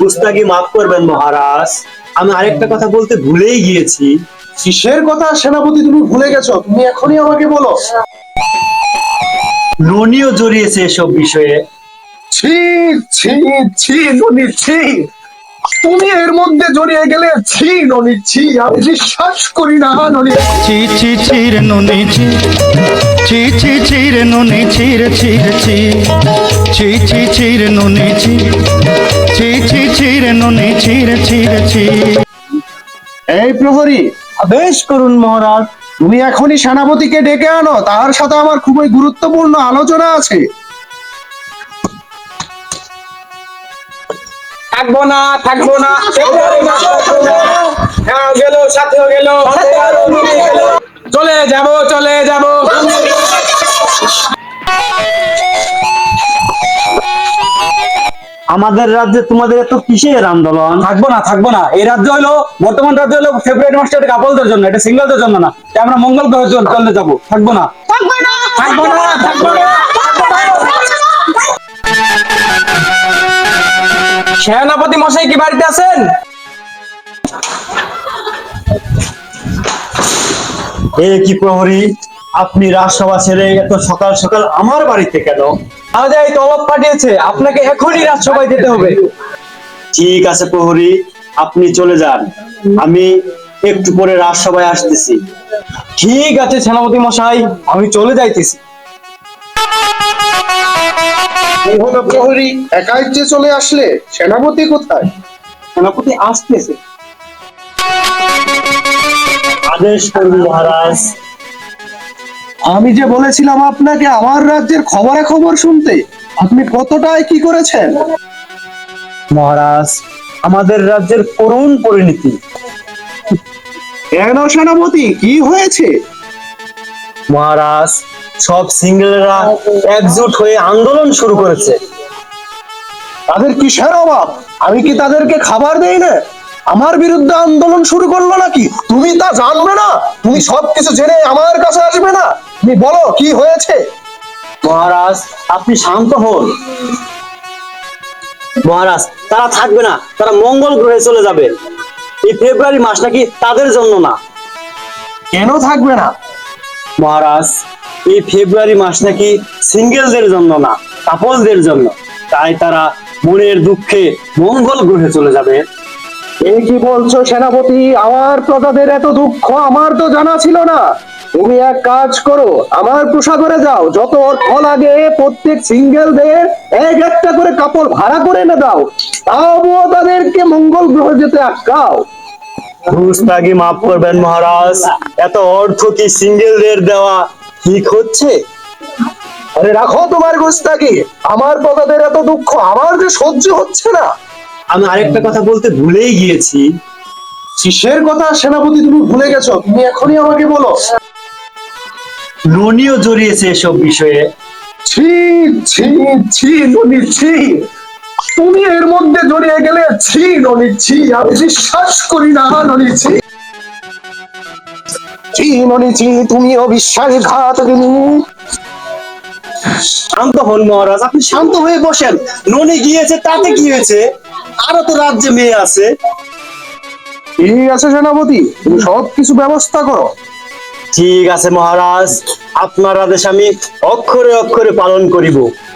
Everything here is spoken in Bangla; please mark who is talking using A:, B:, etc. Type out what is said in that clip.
A: গুস্তাখি মাফ করবেন মহারাজ, আমি আরেকটা কথা বলতে ভুলেই গিয়েছি।
B: কিসের কথা সেনাপতি তুমি ভুলে গেছো? তুমি এখনই আমাকে বলো।
A: ননিও জড়িয়েছে এসব বিষয়ে।
B: ছি ছি ছি ননি ছি, তুমি এর মধ্যে জড়িয়ে গেলে। ছি ননি ছি, আমি বিশ্বাস করি না ননি।
C: ছি ছি ছি রে নুনি ছি, ছি ছি ছি রে নুনি ছি রে ছি রে ছি, ছি ছি ছি রে নুনি ছি, ছি ছি ছি রে নুনি ছি রে ছি রে ছি।
B: এই প্রহরী,
A: আদেশ করুন মহারাজ।
B: তুমি এখনই সেনাপতিকে ডেকে আনো, তার সাথে আমার খুবই গুরুত্বপূর্ণ আলোচনা আছে।
D: থাকবো না থাকবো না, ফেব্রুয়ারি মাস থাকবো না। হ্যাঁ গেল, সাথেও গেল, চলে যাব চলে যাব।
A: আমাদের রাজ্যে তোমাদের এত কিসের আন্দোলন?
D: থাকবো না, এই রাজ্য হলো, বর্তমান রাজ্য হলো ফেব্রুয়ারি মাসটা, এটা কাপলদের জন্য, এটা সিঙ্গেলদের জন্য না। তাই আমরা মঙ্গল গ্রহে চলে যাবো। থাকবো না থাকবো না থাকবো না থাকবো না। সেনাপতি মশাই কি বাড়িতে আছেন?
A: এ কি প্রহরী, আপনি রাজসভা ছেড়ে এত সকাল সকাল আমার বাড়িতে কেন?
D: আমাদের এই তলব পাঠিয়েছে, আপনাকে এখনই রাজসভায় যেতে হবে।
A: ঠিক আছে প্রহরী, আপনি চলে যান, আমি একটু পরে রাজসভায় আসতেছি।
D: ঠিক আছে সেনাপতি মশাই, আমি চলে যাইতেছি।
B: কি হলো প্রহরী, একাই যে চলে আসলে? সেনাপতি কোথায়?
D: সেনাপতি আসতেছে।
A: আদেশ করুন মহারাজ।
B: আমি যে বলেছিলাম আপনাকে আমার রাজ্যের খবরাখবর শুনতে, আপনি কতটায় কি করেছেন?
A: মহারাজ, আমাদের রাজ্যের করুণ পরিণতি।
B: কেন সেনাপতি, কি হয়েছে?
A: মহারাজ, সব সিঙ্গেলরা একজোট হয়ে আন্দোলন শুরু করেছে।
B: তাদের কিসের অভাব? আমি কি তাদেরকে খাবার দেই না? আমার বিরুদ্ধে আন্দোলন শুরু করলো নাকি? তুমি তা জানবে না? তুমি সবকিছু জেনে আমার কাছে আসবে না? তুমি বলো কি হয়েছে?
A: মহারাজ, আপনি শান্ত হন। মহারাজ, তারা থাকবে না, তারা মঙ্গল গ্রহে চলে যাবে। এই ফেব্রুয়ারি মাস নাকি তাদের জন্য না।
B: কেন থাকবে না?
A: মহারাজ, এই ফেব্রুয়ারি মাস নাকি সিঙ্গেলদের জন্য না, কাপলদের জন্য। তাই তারা মনের দুঃখে মঙ্গল গ্রহে চলে যাবে।
B: এই কি বলছো সেনাপতি? আমার প্রজাদের এত দুঃখ আমার তো জানা ছিল না। তুমি এক কাজ করো, আমার প্রসাদরে যাও, যত অর্থ লাগে প্রত্যেক সিঙ্গেলদের এক একটা করে কাপড় ভাড়া করে এনে দাও, তাও তাদেরকে মঙ্গল গ্রহে যেতে আটকাও।
A: গুস্তাখি মাফ করবেন মহারাজ, এত অর্থ কি সিঙ্গেলদের দেওয়া ঠিক হচ্ছে?
B: আরে রাখো তোমার গোস্তাকি, আমার প্রজাদের এত দুঃখ আমার যে সহ্য হচ্ছে না।
A: আমি আরেকটা কথা বলতে ভুলেই গিয়েছি।
B: কিসের কথা সেনাপতি তুমি ভুলে গেছো? তুমি এখনই আমাকে বলো।
A: ননিও জড়িয়েছে এসব বিষয়ে।
B: ছি ছি ছি ননি ছি, তুমি এর মধ্যে জড়িয়ে গেলে। ছি ননি ছি, আমি বিশ্বাস করি না ননি ছি। ছি ননি ছি, তুমিও বিশ্বাসঘাতকিনী।
A: শান্ত হন মহারাজ, আপনি শান্ত হয়ে বসেন। ননি গিয়েছে তাতে কি হয়েছে? আরো তো রাজ্যে মেয়ে আছে।
B: ঠিক আছে সেনাপতি, তুমি সবকিছু ব্যবস্থা করো।
A: ঠিক আছে মহারাজ, আপনার আদেশ আমি অক্ষরে অক্ষরে পালন করিব।